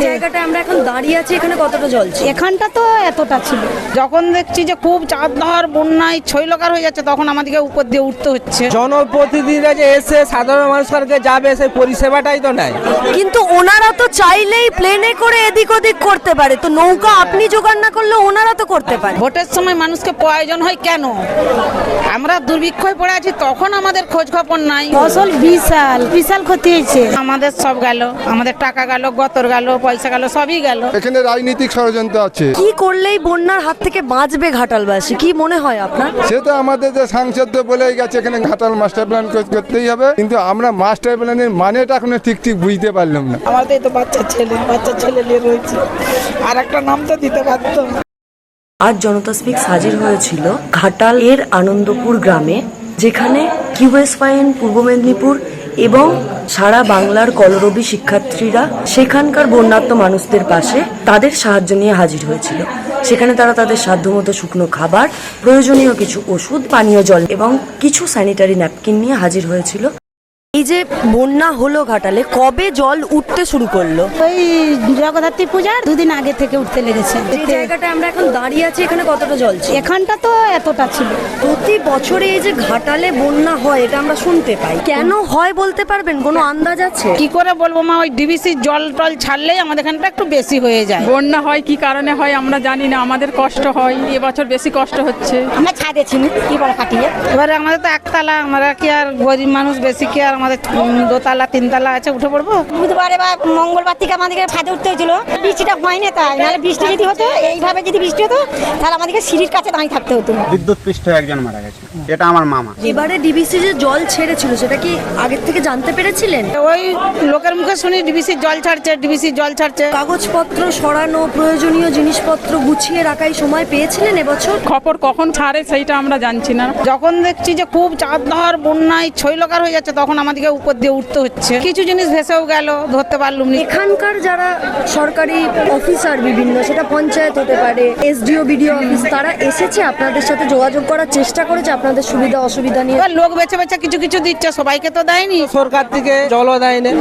জায়গাটা আমরা এখন দাঁড়িয়ে আছি এখানে কতটা জল ছিল? এখানটা তো এতটা ছিল। যখন দেখছি যে খুব চাপধার বন্যায় ছৈলকার হয়ে যাচ্ছে তখন আমাদেরকে উপর দিয়ে উঠতে হচ্ছে। জনপ্রতিনিধিরা যে এসে সাধারণ মানুষকে যাবে সেই পরিষেবাটাই তো নাই। কিন্তু ওনারা তো চাইলেই প্লেনে করে এদিক ওদিক করতে পারে, তো নৌকা আপনি জোগাড় না করলে ওনারা তো করতে পারে। ভোটের সময় মানুষকে প্রয়োজন হয় কেন? আমরা দুর্ভিক্ষয় পড়ে আছি তখন আমাদের খোঁজ খবর নাই। ফসল বিশাল বিশাল ক্ষতি হয়েছে। আমাদের সব গেল, আমাদের টাকা গেল, গতর গেল, পয়সা গেল, সবই গেল। এখানে রাজনৈতিক ষড়যন্ত্র আছে। কি করলেই বন্যার হাত থেকে বাঁচবে ঘাটালবাসী, কি মনে হয় আপনার? সে তো আমাদের যে সাংসদ বলেই গেছে এখানে ঘাটাল মাস্টার প্ল্যান করতেই হবে, কিন্তু আমরা মাস্টার প্ল্যানের মানেটা এখনো ঠিক বুঝতে পারলাম না। আমাদের তো বাচ্চা ছেলে নিয়ে রয়েছে, আর একটা নাম তো দিতে পারতো। আজ জনতা স্পিক্স হাজির হয়েছিল ঘাটাল এর আনন্দপুর গ্রামে, যেখানে কিউএসওয়াইএন পূর্ব মেদিনীপুর এবং সারা বাংলার কলরবী শিক্ষার্থীরা সেখানকার বন্যার্ত মানুষদের পাশে তাদের সাহায্য নিয়ে হাজির হয়েছিল। সেখানে তারা তাদের সাধ্যমতো শুকনো খাবার, প্রয়োজনীয় কিছু ওষুধ, পানীয় জল এবং কিছু স্যানিটারি ন্যাপকিন নিয়ে হাজির হয়েছিল। এই যে বন্যা হলো ঘাটালে, কবে জল উঠতে শুরু করলো? ওই জগদ্ধাত্রী পূজার দুদিন আগে থেকে উঠতে লেগেছে। এই জায়গাটা আমরা এখন দাঁড়িয়ে আছি এখানে কতটা জল ছিল? এখানটা তো এতটা ছিল। প্রতি বছরে এই যে ঘাটালে বন্যা হয় এটা আমরা শুনতে পাই, কেন হয় বলতে পারবেন? কোনো আন্দাজ আছে? কি করে বলবো মা, ওই ডিবিসির জল টল ছাড়লেই আমাদের এখানটা একটু বেশি হয়ে যায়। বন্যা হয় কি কারণে হয় আমরা জানি না, আমাদের কষ্ট হয়, এবছর বেশি কষ্ট হচ্ছে। আমরা ছাদে ছিল কি বলে কাটিয়ে। এবারে আমাদের তো একতলা, আমরা কি আর গরিব মানুষ বেশি কি আর আমাদের দোতলা তিনতলা আছে, উঠে পড়বো? বুধবারে বা মঙ্গলবার থেকে আমাদেরকে ছাদে উঠতে হয়েছিল। বৃষ্টিটা হয়নি, তাই নাহলে বৃষ্টি যদি হতো, এইভাবে যদি বৃষ্টি হতো তাহলে আমাদেরকে সিঁড়ির কাছে দাঁড়িয়ে থাকতে হতো। বিদ্যুৎ পৃষ্ঠ একজন মারা গেছে, এটা আমার মামা। এবারে ডিবিসি যে জল ছেড়েছিল সেটা কি আগের থেকে জানতে পেরেছিলেন? ওই লোকের মুখে শুনি ডিবিসির জল ছাড়ছে। কাগজপত্র সরানো, প্রয়োজনীয় জিনিসপত্র গুছিয়ে রাখাই সময় পেয়েছিলেন এবছর? খবর কখন ছাড়ে সেইটা আমরা জানছি না। যখন দেখছি যে খুব চাপধার বন্যায় ছৈলকার হয়ে যাচ্ছে তখন আমাদেরকে উপর দিয়ে উঠতে হচ্ছে। কিছু জিনিস ভেসেও গেল, ধরতে পারলুম না। এখানকার যারা সরকারি অফিসার বিভিন্ন, সেটা পঞ্চায়েত হতে পারে, এসডিও, বিডিও অফিস, তারা এসেছে আপনাদের সাথে যোগাযোগ করার চেষ্টা করেছে আপনাদের সুবিধা অসুবিধা নিয়ে? এবার লোক বেছে বেছে কিছু কিছু দিচ্ছে, সবাইকে তো দেয়নি। সরকার থেকে জলও দেয় না।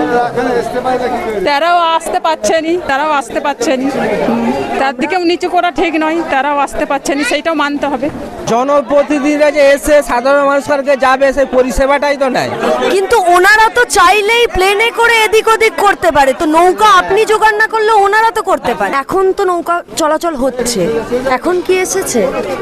তারাও আসতে পারছেনি। তার দিকেও নিচু করা ঠিক নয়, তারাও আসতে পারছেনি, সেইটাও মানতে হবে। জনপ্রতিনিধিরা যে এসে সাধারণ মানুষকে যাবে সেই পরিষেবাটাই তো নাই। কিন্তু ওনারা তো চাইলেই প্লেনে করে এদিক ওদিক করতে পারে, তো নৌকা আপনি জোগাড় না করলে ওনারা তো করতে পারে। এখন তো নৌকা চলাচল হচ্ছে, এখন কি এসেছে?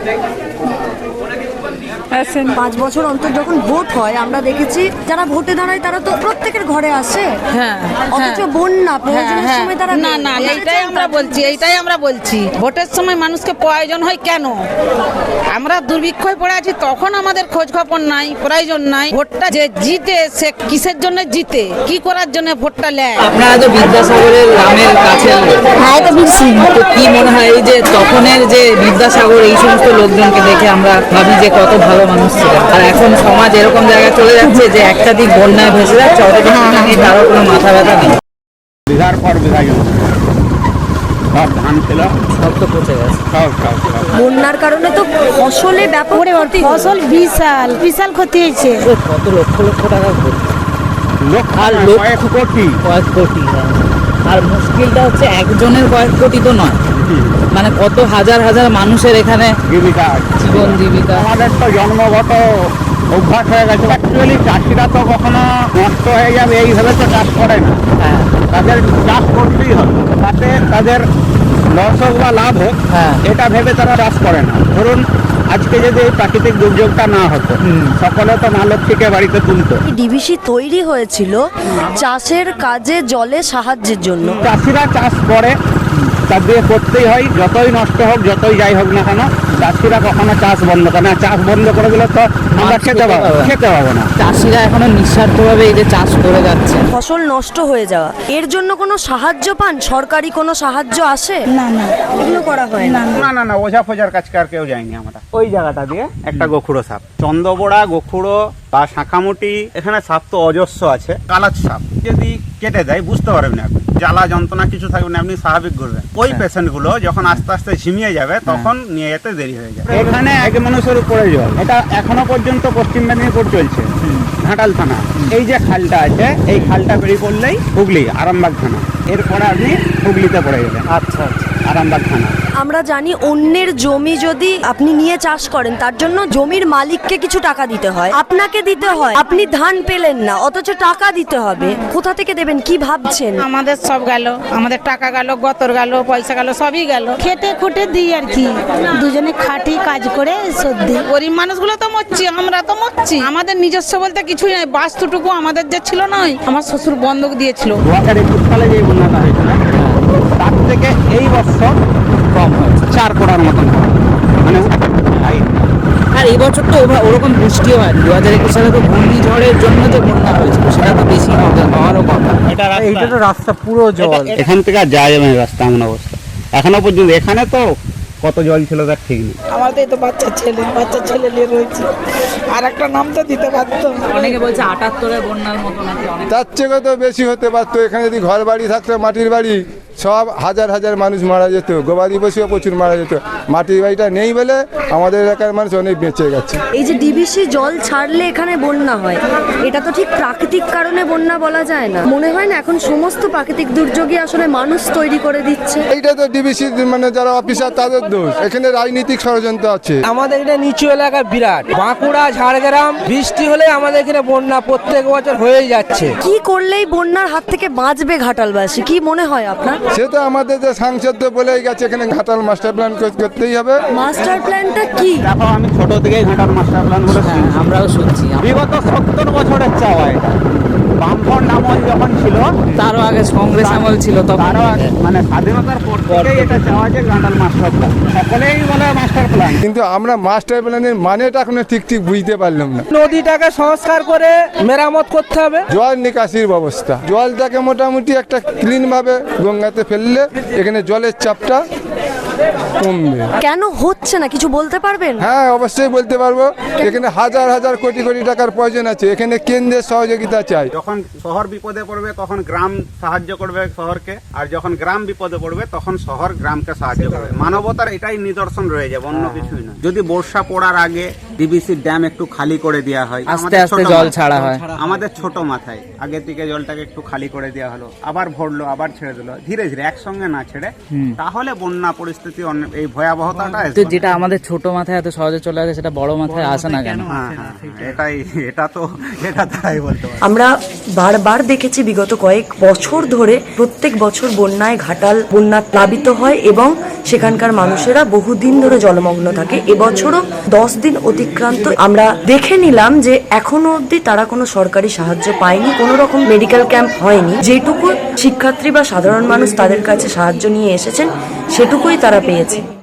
5 বছর অন্তর যখন ভোট হয় আমরা দেখেছি যারা ভোটে দাঁড়ায় তারা তো প্রত্যেকের ঘরে আসে। অথচ বন্যা প্রয়োজনের সময় তারা না, এইটাই আমরা বলছি ভোটের সময় মানুষকে প্রয়োজন হয় কেন? আমরা দুর্ভিক্ষয় পড়ে আছি তখন আমাদের খোঁজ খবর নাই, প্রয়োজন নাই। ভোটটা যে জিতে সে কিসের জন্য জিতে, কি করার জন্য ভোটটা নেয়? আপনারা তো বিদ্যাসাগরের গ্রামের কাছে, তো কি মনে হয় এই যে তখনের যে বিদ্যাসাগর এই সমস্ত লোকজনকে দেখে আমরা ভাবি যে কত ভালো মানুষ ছিলেন, আর এখন সমাজ এরকম জায়গায় চলে যাচ্ছে যে একটা দিক বন্যায় ভেসে যাচ্ছে, অথচ তারও কোনো মাথা ব্যথা নেই। বিঘার পর বিঘা জমি, সব ধান ছিল, সব তো পচে গেছে। বন্যার কারণে তো ফসলে ব্যাপক ক্ষতি। ফসল বিশাল ক্ষতি হয়েছে। কত লক্ষ লক্ষ টাকা ক্ষতি, আর কয়েক কোটি। আর মুশকিলটা হচ্ছে একজনের কয়েক কোটি তো নয়, মানে কত হাজার হাজার মানুষের এখানে জীবিকা। আমাদের তো জন্মগত অভ্যাস হয়ে গেছে। অ্যাকচুয়ালি চাষিরা তো কখনো নষ্ট হয়ে যাবে এইভাবে তো চাষ করে না। তাদের চাষ করতেই হবে, তাতে তাদের লস হোক বা লাভ হোক এটা ভেবে তারা চাষ করে না। ধরুন আজকে যদি এই প্রাকৃতিক দুর্যোগটা না হতো, সকলে তো মালক্ষীকে বাড়িতে তুলতো। ডিভিসি তৈরি হয়েছিল চাষের কাজে জলে সাহায্যের জন্য। চাষিরা চাষ করে, তার দিয়ে করতেই হয়, যতই নষ্ট হোক যতই যাই হোক না কেন চাষিরা কখনো চাষ বন্ধ করে না। চাষ বন্ধ করে দিলে তো আমরা খেতে পাবো না। চাষিরা এখনো নিঃস্বার্থভাবে এই যে চাষ করে যাচ্ছে। ফসল নষ্ট হয়ে যাওয়া, এর জন্য কোনো সাহায্য পান? সরকারি কোনো সাহায্য আসে? না এগুলো করা হয় না। না ওঝা ফোজার কাছে আর কেউ যায়নি। আমরা ওই জায়গাটা দিয়ে একটা গোখুড়ো সাপ, চন্দ্রবোড়া, গোখুড়ো বা শাঁখামুটি, এখানে সাপ তো অজস্র আছে। কালাচ সাপ যদি কেটে দেয় বুঝতে পারবেন না, আপনি জ্বালা যন্ত্রণা কিছু থাকবে না, আপনি স্বাভাবিক করবেন। ওই পেশেন্ট গুলো যখন আস্তে আস্তে ঝিমিয়ে যাবে তখন নিয়ে যেতে দেরি হয়ে যাবে। এখানে এক মানুষের উপরে জল, এটা এখনো পর্যন্ত পশ্চিম মেদিনীপুর চলছে। ঘাটাল থানা। এই যে খালটা আছে, এই খালটা পেরিয়ে পড়লেই হুগলি আরামবাগ থানা। এরপরে আপনি হুগলিতে পড়ে যাবেন। আচ্ছা আরামবাগ থানা। আমরা জানি অন্যের জমি যদি আপনি নিয়ে চাষ করেন তার জন্য জমির মালিককে কিছু টাকা দিতে হয়, আপনাকে দিতে হয়। আপনি ধান পেলেন না অথচ টাকা দিতে হবে, কোথা থেকে দেবেন কি ভাবছেন? আমাদের সব গেল, আমাদের টাকা গেল, গতর গেল, পয়সা গেল, সবই গেল। খেটে খুটে দিই আর কি, দুজনে খাটি কাজ করে শোধ দিই। গরিব মানুষগুলো তো মরছি, আমরা তো মরছি। আমাদের নিজস্ব বলতে কিছুই নাই, বাস্তুটুকু আমাদের যে ছিল নয়, আমার শ্বশুর বন্ধক দিয়েছিল। 2021 সালে যে বন্যাটা হয়েছিল তার থেকে এই বছর কম হয়েছে, 4 কোটার মতন, মানে আর এই বছর তো ওরকম বৃষ্টিও হয় 2021 সালে তো ঘূর্ণিঝড়ের জন্য যে বন্যা হয়েছিল সেটা তো বেশি হওয়ারও কথা। এইটা তো রাস্তা পুরো জল। এখান থেকে আর যাওয়া যাবে না রাস্তা, এমন অবস্থা এখনো পর্যন্ত। এখানে তো কত জল ছিল তার ঠিক নেই। আমাদের তো বাচ্চা ছেলে নিয়ে রয়েছে, আর একটা নাম তো দিতে পারতো। অনেকে বলছে 78-এর বন্যার মতো নাকি অনেক। তার থেকে তো বেশি হতে পারতো। এখানে যদি ঘর বাড়ি থাকতো, মাটির বাড়ি, সব হাজার হাজার মানুষ মারা যেত, গবাদি পশুও প্রচুর মারা যেত। মাটির বাড়িটা নেই বলে আমাদের এলাকার মানুষ অনেক বেঁচে গেছে। এই যে ডিবিসি জল ছাড়লে এখানে বন্যা হয়, এটা তো ঠিক প্রাকৃতিক কারণে বন্যা বলা যায় না। মনে হয় না এখন সমস্ত প্রাকৃতিক দুর্যোগই আসলে মানুষ তৈরি করে দিচ্ছে? এইটা তো ডিবিসি মানে যারা অফিসার তাদের দোষ। এখানে রাজনৈতিক ষড়যন্ত্র আছে। আমাদের এটা নিচু এলাকা বিরাট, বাঁকুড়া ঝাড়গ্রাম বৃষ্টি হলে আমাদের এখানে বন্যা প্রত্যেক বছর হয়েই যাচ্ছে। কি করলেই বন্যার হাত থেকে বাঁচবে ঘাটালবাসী, কি মনে হয় আপনার? সে তো আমাদের যে সাংসদ তো বলেই গেছে এখানে ঘাটাল মাস্টার প্ল্যান করতেই হবে। মাস্টার প্ল্যানটা কি? দেখো, আমি ছোট থেকেই ঘাটাল মাস্টার প্ল্যান বলে শুনছি। আমরাও শুনছি, বিগত 70 বছরের চাওয়া এটা। বামফ্রন্ট আমল যখন ছিল, তারও আগে কংগ্রেস আমল ছিল, তখন তারও আগে, মানে স্বাধীনতার পর থেকেই এটা চাওয়া যে ঘাটাল মাস্টার প্ল্যান। সকলেই বলে মাস্টার প্ল্যান, কিন্তু আমরা মাস্টার প্ল্যানের মানেটা এখনো ঠিক বুঝতে পারলাম না। নদীটাকে সংস্কার করে মেরামত করতে হবে। জল নিকাশির ব্যবস্থা, জলটাকে মোটামুটি একটা ক্লিন ভাবে গঙ্গাতে ফেললে এখানে জলের চাপটা কমবে। কেন হচ্ছে না কিছু বলতে পারবেন? হ্যাঁ, অবশ্যই বলতে পারবো। এখানে হাজার হাজার কোটি কোটি টাকার প্রয়োজন আছে। এখানে কেন্দ্রের সহযোগিতা চাই। যখন শহর বিপদে পড়বে তখন গ্রাম সাহায্য করবে শহরকে, আর যখন গ্রাম বিপদে পড়বে তখন শহর গ্রামকে সাহায্য করবে। মানবতার এটাই নিদর্শন রয়ে যাবে, অন্য কিছুই না। যদি বর্ষা পড়ার আগে ডিবিসির ড্যাম একটু খালি করে দেওয়া হয়, আস্তে আমাদের আস্তে ছোট জল মাথায়- ছাড়া হয়। আমাদের ছোট মাথায় আগে থেকে জলটাকে একটু খালি করে দেওয়া হলো, আবার ভরলো, আবার ছেড়ে দিল, ধীরে ধীরে একসঙ্গে না ছেড়ে, তাহলে বন্যা পরিস্থিতি এই ভয়াবহতাটা তো আসবে না। যেটা আমাদের ছোট মাথায় এত সহজে চলে আসে সেটা বড় মাথায় আসে না কেন? হ্যাঁ, এটা তাই বলতে পারি। আমরা বারবার দেখেছি বিগত কয়েক বছর ধরে প্রত্যেক বছর বন্যায় ঘাটাল বন্যা প্লাবিত হয় এবং সেখানকার মানুষেরা বহুদিন ধরে জলমগ্ন থাকে। এবছরও 10 দিন অতিক্রান্ত, আমরা দেখে নিলাম যে এখনো অবধি তারা কোনো সরকারি সাহায্য পায়নি, কোনো রকম মেডিকেল ক্যাম্প হয়নি। যেটুকু শিক্ষার্থী বা সাধারণ মানুষ তাদের কাছে সাহায্য নিয়ে এসেছেন সেটুকুই তারা পেয়েছে।